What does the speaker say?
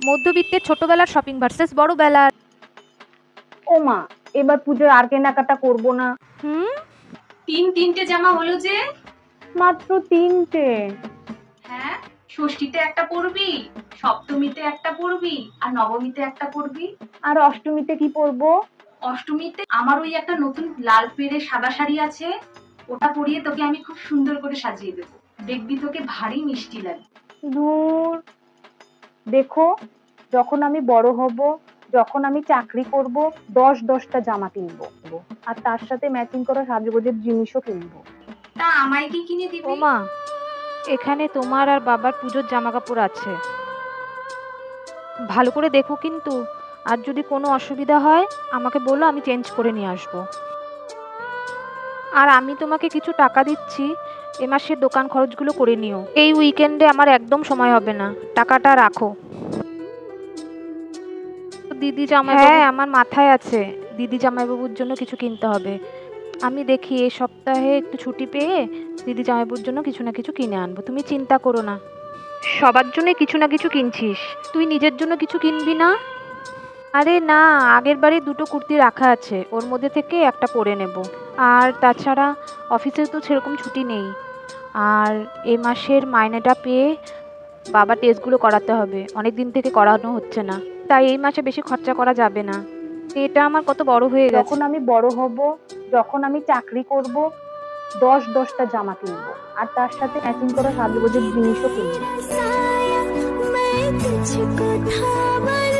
মধ্যবিত্তের ছোটবেলার shopping versus বড়বেলার। ও মা, এবার পুজোর আর কেনাকাটা করবো না। হুম। তিনটে জামা হলো যে। মাত্র 3টে। হ্যাঁ, ষষ্ঠীতে একটা পরবি, সপ্তমীতে একটা পরবি, আর নবমীতে একটা পরবি। আর অষ্টমীতে কি পরবো? অষ্টমীতে আমার ওই একটা নতুন লাল পেড়ে সাদা শাড়ি আছে, ওটা পরিয়ে তোকে আমি খুব সুন্দর করে সাজিয়ে দেবো। দেখবি তোকে ভারী মিষ্টি লাগবে। দূর, দেখো, যখন আমি বড় হব, যখন আমি চাকরি করব, 10টা জামা কিনবো, আর তার সাথে ম্যাচিং করা সাজগোজের জিনিসও কিনবো। তা আমায় কি কিনে দিবি? ও মা, এখানে তোমার আর বাবার পুজোর জামা কাপড় আছে, ভালো করে দেখো কিন্তু। আর যদি কোনো অসুবিধা হয় আমাকে বলো, আমি চেঞ্জ করে নিয়ে আসবো। আর আমি তোমাকে কিছু টাকা দিচ্ছি, এ মাসের দোকান খরচগুলো করে নিও। এই উইকেন্ডে আমার একদম সময় হবে না, টাকাটা রাখো। দিদি জামাইবাবু, হ্যাঁ আমার মাথায় আছে, দিদি জামাইবাবুর জন্য কিছু কিনতে হবে। আমি দেখি এই সপ্তাহে একটু ছুটি পেয়ে দিদি জামাইবাবুর জন্য কিছু না কিছু কিনে আনবো, তুমি চিন্তা করো না। সবার জন্য কিছু না কিছু কিনছিস, তুই নিজের জন্য কিছু কিনবি না? আরে না, আগের বারে 2টো কুর্তি রাখা আছে, ওর মধ্যে থেকে একটা পরে নেব। আর তাছাড়া অফিসে তো সেরকম ছুটি নেই। আর এ মাসের মাইনেটা পেয়ে বাবা টেস্টগুলো করাতে হবে, অনেক দিন থেকে করানো হচ্ছে না, তাই এই মাসে বেশি খরচা করা যাবে না। এটা আমার কত বড় হয়ে গেছে। যখন আমি বড় হব, যখন আমি চাকরি করব, 10টা জামা কিনবো, আর তার সাথে ম্যাচিং করা সাজগোজের জিনিসও কিনবো।